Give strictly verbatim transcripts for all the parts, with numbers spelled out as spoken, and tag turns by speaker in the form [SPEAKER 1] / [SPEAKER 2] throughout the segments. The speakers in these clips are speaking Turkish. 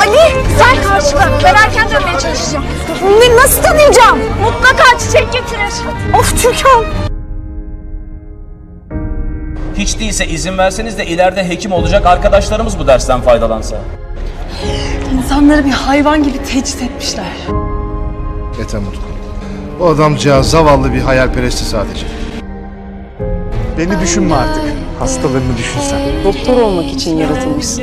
[SPEAKER 1] Ali sen karşıla. Ben erken dönmeye çalışacağım. Ne, nasıl tanıyacağım? Mutlaka çiçek getirir. Of Türkan.
[SPEAKER 2] Hiç değilse izin verseniz de ileride hekim olacak arkadaşlarımız bu dersten faydalansa.
[SPEAKER 3] İnsanları bir hayvan gibi tecrit etmişler.
[SPEAKER 4] Yeter Mutlu. O adamcağız zavallı bir hayalperestti sadece.
[SPEAKER 5] Beni düşünme artık. Hastalarını düşünsen.
[SPEAKER 3] Doktor olmak için yaratılmışsın.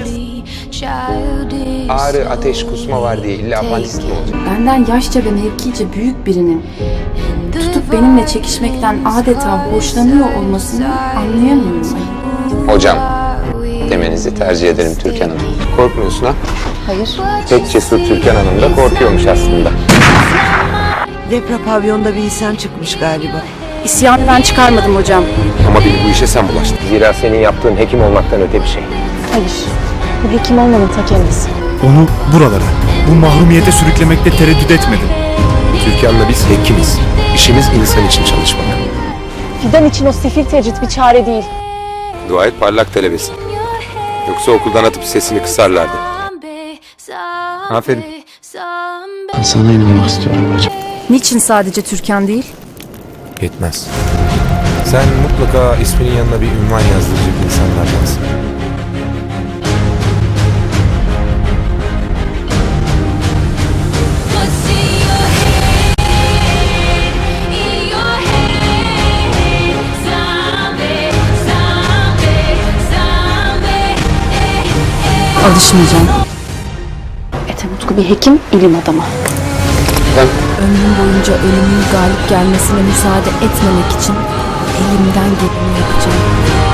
[SPEAKER 6] Ağrı, ateş, kusma var diye illa apandisit mi olacak?
[SPEAKER 7] Benden yaşça ve mevkice büyük birinin tutup benimle çekişmekten adeta hoşlanıyor olmasını anlayamıyorum.
[SPEAKER 6] Hocam demenizi tercih ederim Türkan Hanım. Korkmuyorsun ha?
[SPEAKER 7] Hayır.
[SPEAKER 6] Pek cesur Türkan Hanım da korkuyormuş aslında.
[SPEAKER 8] Lepra pavyonda bir isyan çıkmış galiba.
[SPEAKER 7] İsyanı ben çıkarmadım hocam.
[SPEAKER 6] Ama beni bu işe sen bulaştın. Zira senin yaptığın hekim olmaktan öte bir şey.
[SPEAKER 7] Hayır. Bu hekim olmanın ta kendisi.
[SPEAKER 5] Onu buralara, bu mahrumiyete sürüklemekte tereddüt etmedim.
[SPEAKER 6] Türkan'la biz hekimiz. İşimiz insan için çalışmak.
[SPEAKER 7] Fidan için o sefil tecrit bir çare değil.
[SPEAKER 6] Dua et parlak talebesi. Yoksa okuldan atıp sesini kısarlardı. Aferin.
[SPEAKER 5] Sana inanmak istiyorum hocam.
[SPEAKER 7] Niçin sadece Türkan değil?
[SPEAKER 6] Yetmez. Sen mutlaka isminin yanına bir ünvan yazdıracak insanlardansın.
[SPEAKER 7] Alışmayacağım. Ethem Utku bir hekim, ilim adamı.
[SPEAKER 6] Ben
[SPEAKER 7] Ömrüm boyunca ölümün galip gelmesine müsaade etmemek için elimden geleni yapacağım.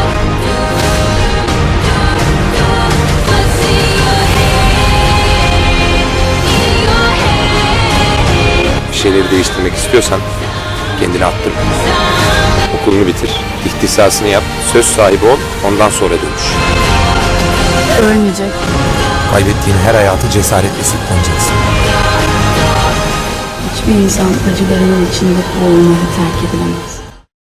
[SPEAKER 6] bir şeyleri değiştirmek istiyorsan kendini attır. Okulunu bitir, ihtisasını yap, söz sahibi ol, ondan sonra dönüş.
[SPEAKER 7] Ölmeyecek.
[SPEAKER 6] Kaybettiğin her hayatı cesaretle sırtlanacaksın.
[SPEAKER 7] Hiçbir insan acılarının içinde boğulmayı terk edilemez.